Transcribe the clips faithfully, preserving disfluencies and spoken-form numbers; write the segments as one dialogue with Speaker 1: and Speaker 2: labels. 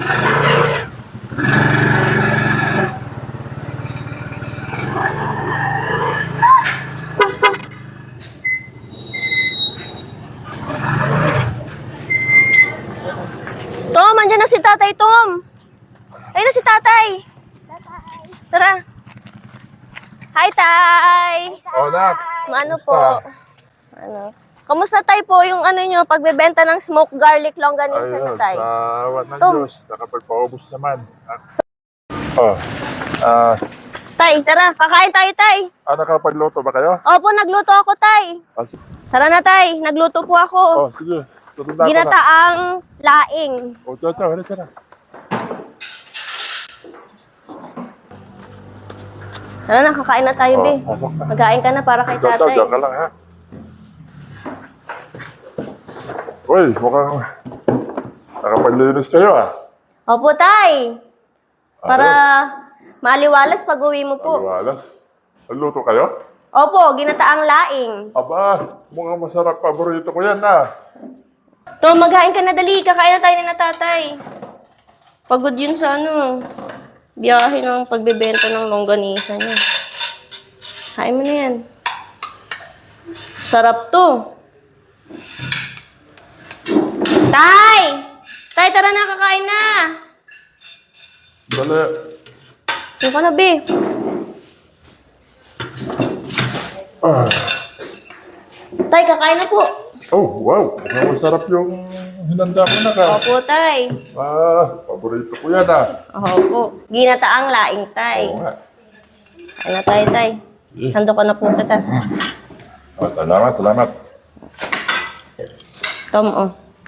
Speaker 1: Tom, andyan na si Tatay Tom. Ayun na si Tatay. Tatay. Tara. Hi, Tay.
Speaker 2: Oh, Nak.
Speaker 1: Ano po? Ano? Kamusta Tay po yung ano nyo, pagbebenta ng smoked garlic longganisa na Tay?
Speaker 2: Ayun, sa wat ng
Speaker 1: Tom.
Speaker 2: Diyos, nakapagpaubos naman. Oh, ah,
Speaker 1: Tay, tara. Kakain tayo, Tay.
Speaker 2: ah, nakapagluto ba kayo?
Speaker 1: Opo, nagluto ako, Tay.
Speaker 2: Ah, sige.
Speaker 1: Tara na, Tay. Nagluto po ako.
Speaker 2: Oh, sige. Tutunda ko na.
Speaker 1: Ginataang laing.
Speaker 2: Oh, tiyo, tiyo, halika na.
Speaker 1: Tara na, kakain na tayo,
Speaker 2: Oh,
Speaker 1: Be.
Speaker 2: pasok na.
Speaker 1: Magkain ka na para kay
Speaker 2: Tiyo, tiyo,
Speaker 1: Tatay.
Speaker 2: tiyo ka lang, ha? Uy, mukhang nakapaglinis kayo, ah.
Speaker 1: Opo, Tay. Para
Speaker 2: Ayos.
Speaker 1: maliwalas pag uwi mo po.
Speaker 2: Aliwalas. Nagluto kayo?
Speaker 1: Opo, ginataang laing.
Speaker 2: Aba, mukhang masarap. Paborito ko yan, ah.
Speaker 1: Tom, maghain ka na dali. Kakain na tayo ni na Tatay. Pagod yun sa ano, biyahe ng pagbebenta ng longganisa niya. Kain mo na yan. Sarap to. Tay! Tay, tara na, kakain na.
Speaker 2: Dali.
Speaker 1: Ano ka na, Be?
Speaker 2: Ah.
Speaker 1: Tay, kakain na po.
Speaker 2: Oh, wow. Mukhang masarap yung hinanda mo na ka.
Speaker 1: Opo, Tay.
Speaker 2: Ah, paborito ko yan, ah.
Speaker 1: Opo. Ginataang laing, Tay.
Speaker 2: Oo nga.
Speaker 1: Kain na tayo, Tay. Sando ko na po kita.
Speaker 2: Ah, salamat, salamat.
Speaker 1: Tom, oh.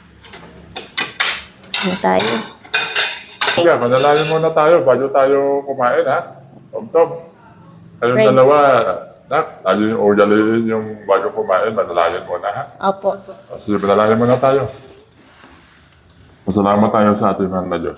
Speaker 1: Ano tayo?
Speaker 2: Sige, manalangin muna tayo bago tayo kumain, ha? Tom, Tom. Kayong
Speaker 1: Right.
Speaker 2: dalawa, nak, tayo yung ugaliin yung bago kumain, manalangin muna, ha?
Speaker 1: Opo.
Speaker 2: Ah, sige, manalangin muna tayo. Masalamat tayo sa ating mahal na Diyos.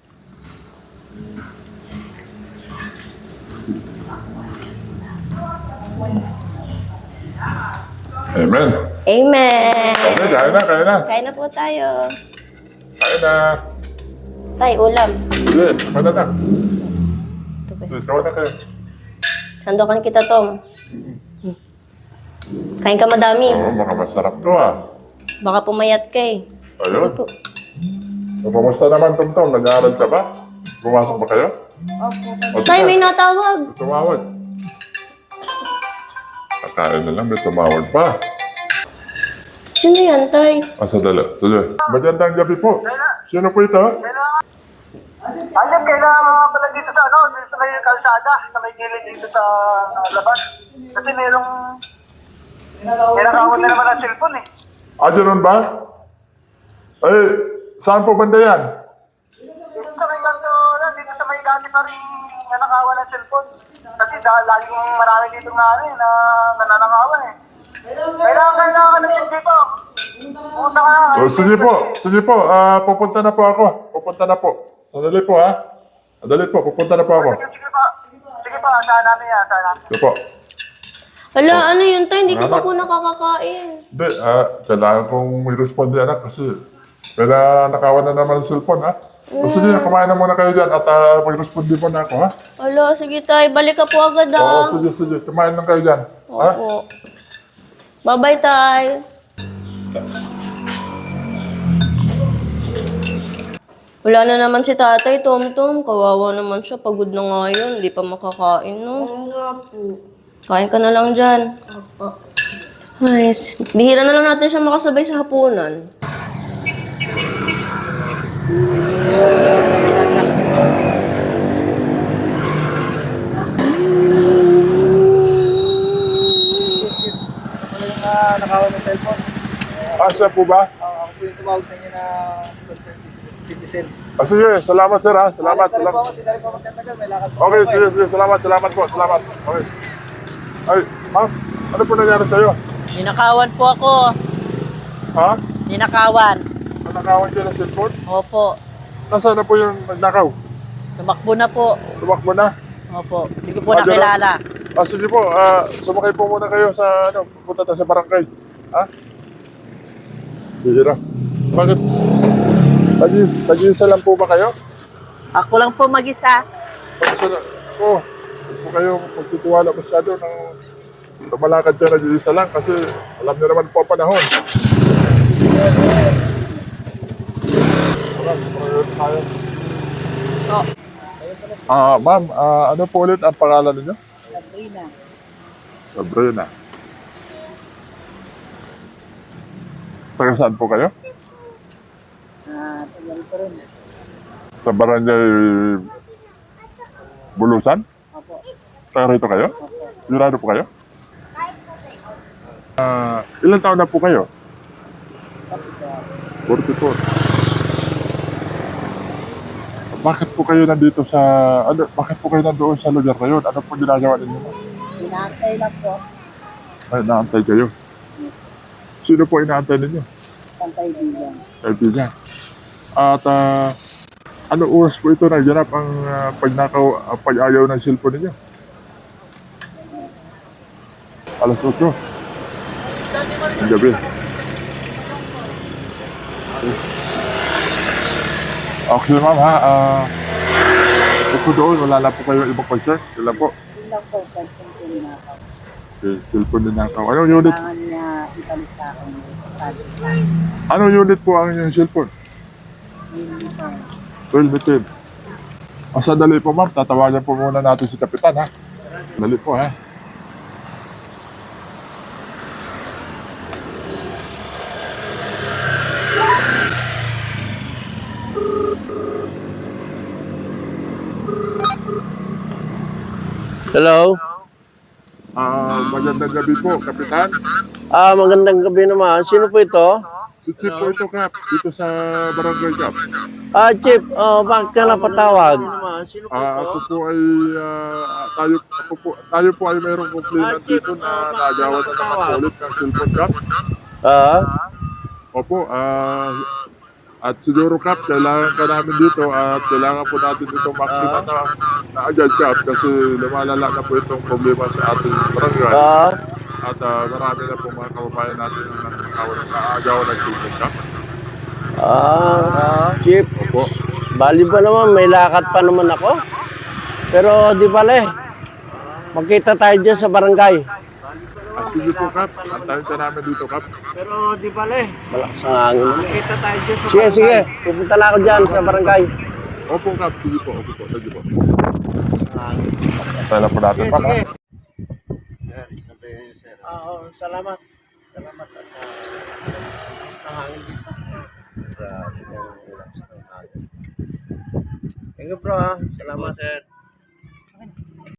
Speaker 2: Amen.
Speaker 1: Amen.
Speaker 2: Okay, kain na, kain na.
Speaker 1: Kain na po tayo.
Speaker 2: Kain na.
Speaker 1: Tay, ulam.
Speaker 2: Sige, kain na na.
Speaker 1: Ito ba?
Speaker 2: Sige, kain na kayo.
Speaker 1: Sandokan kita, Tom. Hmm. Kain ka madami.
Speaker 2: Oo, baka masarap to, ah.
Speaker 1: Baka pumayat ka eh.
Speaker 2: Ayun.
Speaker 1: Ito po.
Speaker 2: So, kamusta naman, Tom Tom? Nag-aaral ka ba? Pumasok ba kayo?
Speaker 1: Opo. Tay, may natawag.
Speaker 2: Tumawag. Kakain na lang, may tumawag pa.
Speaker 1: Sino yan, Tay?
Speaker 2: Ah, sadala. Sige. Magandang gabi po. Sino po ito?
Speaker 3: Ayun, kailangan mga pala dito sa ano, dito sa may kalsada, sa may gilid dito sa uh, labas. Kasi merong, kinakawan na naman ang cellphone eh.
Speaker 2: Ah, ganun ba? Ay, saan po banda yan?
Speaker 3: Dito sa may kanto, dito sa may kanto pa rin nanakawan ng cellphone. Kasi dahil laging marami dito nga ano eh, na nananakawan eh. Kailangan, kailangan ka ng C D po. Punta ka na.
Speaker 2: Oh, sige po. Sige po. Ah, pupunta na po ako. Pupunta na po. Sandali po, ha? Sandali po. Pupunta na po ako.
Speaker 3: Sige, sige pa. Sige pa, asahan namin yan, asahan namin.
Speaker 2: Sige po.
Speaker 1: Hala, ano yun, Tay? Hindi ko pa
Speaker 2: Anak.
Speaker 1: po nakakakain.
Speaker 2: Hindi, ah, kailangan kong may responde, anak, kasi kaya nakawan na naman ang cellphone, ha? O sige, kumain na muna kayo dyan at uh, mag-responde po na ako, ha?
Speaker 1: Hala, sige, Tay. Balik ka po agad,
Speaker 2: Oo,
Speaker 1: ah.
Speaker 2: sige, sige. Kumain lang kayo dyan, ha?
Speaker 1: Opo. Bye-bye, Tay. Wala na naman si Tatay, Tom Tom. Kawawa naman siya. Pagod na nga yun. Hindi pa makakain, no? Oo nga po. Kain ka na lang dyan. Opo. Ay, s- bihira na lang natin siya makasabay sa hapunan.
Speaker 3: Uh, nakawan ng cellphone.
Speaker 2: Ah, siya po ba?
Speaker 3: Uh, ako po yung tumawag sa inyo na citizen.
Speaker 2: Ah, sige, salamat, sir, ha? Salamat, salamat.
Speaker 3: Sinari po ako magtatagal, may lakad po.
Speaker 2: Okay, sige, sige. Salamat, salamat po. Salamat. Okay. Ay, ma'am, ano po nangyari sa'yo?
Speaker 4: Ninakawan po ako.
Speaker 2: Ha?
Speaker 4: Ninakawan.
Speaker 2: Nanakawan kayo ng cellphone?
Speaker 4: Opo.
Speaker 2: Nasaan na po yung nagnakaw?
Speaker 4: Tumakbo na po.
Speaker 2: Tumakbo na?
Speaker 4: Opo. Hindi ko po
Speaker 2: Ah, ganun.
Speaker 4: nakilala.
Speaker 2: Ah, sige po. Ah, sumakay po muna kayo sa, ano, pupunta tayo sa barangay. Ha? Sige na. Bakit? Tag-is, tag-isa lang po ba kayo?
Speaker 4: Ako lang po mag-isa.
Speaker 2: Tag-isa lang. Oo. Huwag po kayo magtitiwala masyado ng lumalakad kayo nag-iisa lang kasi alam niyo naman po ang panahon. Wala, tumayo tayo.
Speaker 4: Oh,
Speaker 2: Ah, ma'am, ah, ano po ulit ang pangalan niyo?
Speaker 4: Sabrina.
Speaker 2: Sabrina. Taga saan po kayo?
Speaker 4: Ah, tagal ko rin.
Speaker 2: Sa barangay Bulusan?
Speaker 4: Opo.
Speaker 2: Taga rito kayo?
Speaker 4: Opo.
Speaker 2: Sigurado po kayo? Ah, ilan taon na po kayo? forty-four. Bakit po kayo nandito sa ano, bakit po kayo nandoon sa lugar na yun? Ano po ginagawa ninyo?
Speaker 4: Inaantay lang po.
Speaker 2: Ay, naantay kayo. Sino po inaantay ninyo?
Speaker 4: Ang kaibigan.
Speaker 2: Kaibigan. At ah, ano oras po ito naganap ang ah, pagnakaw, ah, pag-ayaw ng cellphone ninyo? Alas otso. Ang gabi. Okay, ma'am ha. Ah, ito doon, wala na po kayo ibang concern. Sila po.
Speaker 4: Yun lang po, person ko ninakaw.
Speaker 2: Okay, cellphone din nakaw. Anong unit?
Speaker 4: Kailangan niya ibalik sa akin. Sabi sa akin.
Speaker 2: Anong unit po ang inyong cellphone?
Speaker 4: Yun po.
Speaker 2: Well, bitin. O sandali po ma'am, tatawagan po muna natin si Kapitan ha. Dali po ha.
Speaker 5: Hello?
Speaker 2: Ah, magandang gabi po, Kapitan.
Speaker 5: Ah, magandang gabi naman. Sino po ito?
Speaker 2: Si Chief po ito, Kap, dito sa Barangay Kap.
Speaker 5: Ah, Chief, oh, bakit ka napatawag?
Speaker 2: Ah, ako po ay, ah, tayo, ako po, tayo po ay mayroong complainant dito na nagawan na naman ulit ng cellphone, Kap.
Speaker 5: Ah,
Speaker 2: Opo, ah, at siguro, Kap, kailangan ka namin dito at kailangan po natin itong makita na, na agad, Kap, kasi lumalala na po itong problema sa ating barangay.
Speaker 5: ah,
Speaker 2: At ah, marami na po mga kababayan natin na nakakawan na agawan ng cellphone, Kap.
Speaker 5: ah, Chief,
Speaker 2: Opo.
Speaker 5: bali ba naman, may lakad pa naman ako? Pero di bale, magkita tayo dyan sa barangay.
Speaker 2: Ah, sige po, Kap. Antayin ka namin dito, Kap.
Speaker 5: Pero di bale, malakas ang hangin naman. Magkita tayo dyan sa barangay. Sige, sige, pupunta na ako dyan sa barangay.
Speaker 2: Opo, Kap. Sige po, opo po. Sige po. Antayin lang po natin,
Speaker 5: Sige,
Speaker 2: Kap.
Speaker 5: sige.
Speaker 2: ha?
Speaker 5: Oo, salamat. Salamat. At uh, malakas na hangin dito. Grabe, ang relax ng hangin. Thank you bro ha. Salamat. Sir.